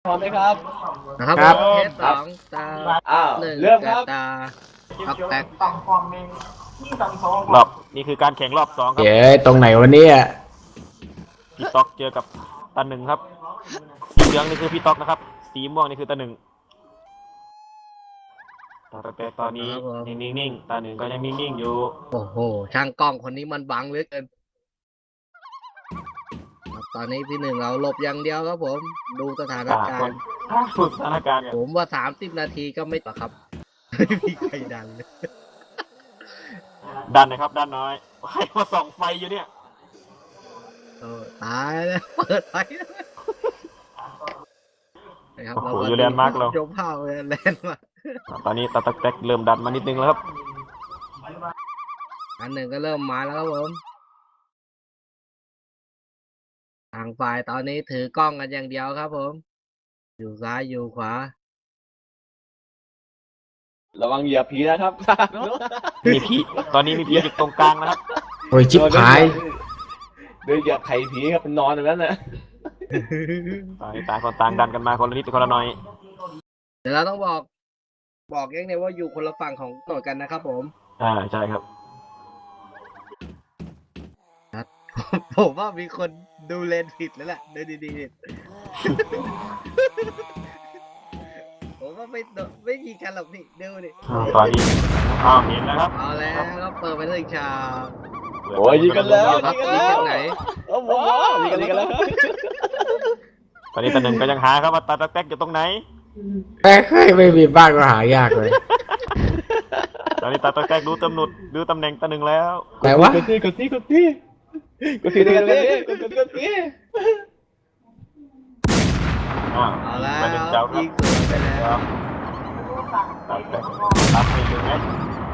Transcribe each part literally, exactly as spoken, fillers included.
พร้อมไหมครับนะครับครับเทสสองตาอ้าวหนึ่งเริ่มครับตาท็อกแตกรอบนี่คือการแข่งรอบสองครับเย้ยตรงไหนวะเนี่ยพี่ต๊อกเจอกับตาหนึ่งครับสีเหลืองนี่คือพี่ต๊อกนะครับ สีม่วงนี่คือตาหนึ่งแต่ตอนนี้ยังนิ่งๆตาหนึ่งก็ยังนิ่งๆอยู่โอ้โหช่างกล้องคนนี้มันบังเหลือเกินครับตอนนี้พี่หนึ่งเราหลบอย่างเดียวครับผม ดูสถานอ่าการคนณ์ฝึกสถานการณ์กันผมว่าสามสิบนาทีก็ไม่ต่อครับ ไม่มีใครดันเลยดันนะครับ ด้านน้อยใครมาส่องไฟอยู่เนี่ยเออตายแล้วเปิดไฟนะครับโอ้โหเราอยู่แลนด์มาร์คเรายกเผาเลยแลนด์มาร์คตอนนี้ตาตักแตกเริ่มดันมานิดนึงแล้วครับอันหนึ่งก็เริ่มมาแล้วครับผมทางฝ่ายตอนนี้ถือกล้องกันอย่างเดียวครับผม อยู่ซ้ายอยู่ขวาระวังเหยียบผีนะครับมีผีตอนนี้มีผีอยู่ตรงกลางนะครับโอ้ยชิบหายเดินเหยียบไข่ผีครับเป็นนอนอย่างนั้นนะตอนนี้ต่างคนต่างดันกันมาคนละนิดคนละหน่อยเดี๋ยวเราต้องบอก บอกยังไงว่าอยู่คนละฝั่งของถนนกันนะครับผมอ่าใช่ครับผมว่ามีคนดูเลนผิดแล้วแหละดูดีๆ ผมว่าไม่โดนไม่ยิงกันหรอกนี่ดูดิตอนนี้อ้าวเห็นแล้วครับเอาแล้วก็เปิดไปถึงฉากโอ้ยยิงกันแล้วครับยิงกันยิงแล้วจากไหนโอ้โหยิงกันยิงกันแล้วตอนนี้ตาหนึ่งก็ยังหาครับว่าตาตักแตกอยู่ตรงไหนแม่เคยไม่มีบ้านก็หายากเลยตอนนี้ตาตักแตกรู้ตำหนุดรู้ตำแหน่งตาหนึ่งแล้วไหนวะกดที่กดที่กดที่กดที่กดที่กดที่กดที่อ้าวเอาแล้วมาหนึ่งเจ้าครัยิบงสวนไปแล้วตาตักแตกรับไปเลยไหม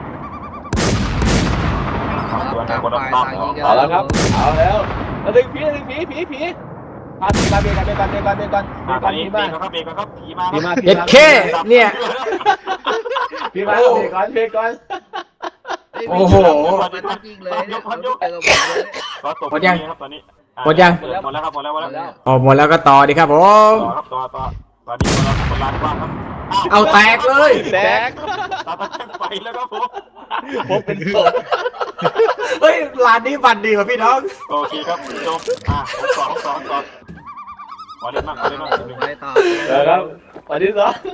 ตัวไหนคนละปั๊บเอาแล้วครับเอาแล้วแล้วดึงผีดึงผีผีผีพาผีมาเบียกันเบียกันเบียกันเบียกันอ่าตเบีอย นนี้กันเบรผีกมาครับเบรกครับผีมาผีมาเอ็ดเคเนี่ยผีมาเบียก่อนเบียก่อนโอ้โหมันต้องยิงเลยเนี่ยเขาเจอกับผมเลยเนี่ยก็ตกหมดยังครับตอนนี้หมดยังหมดแล้วครับหมดแล้วหมดแล้วออกหมดแล้วก็ต่อดีครับผมต่อครับต่อต่อตอนนี้คนละคนละกว้างครับเอาแตกเลยแตกตาตักแตกไปแล้วครับผมผมเป็นศพเฮ้ยร้านนี้บันดีกว่าพี่น้องโอเคครับจบอ่ะสองสองสองขอเล่นมากขอเล่นมากหนึ่งไปต่อเดี๋ยวครับวันที่สอง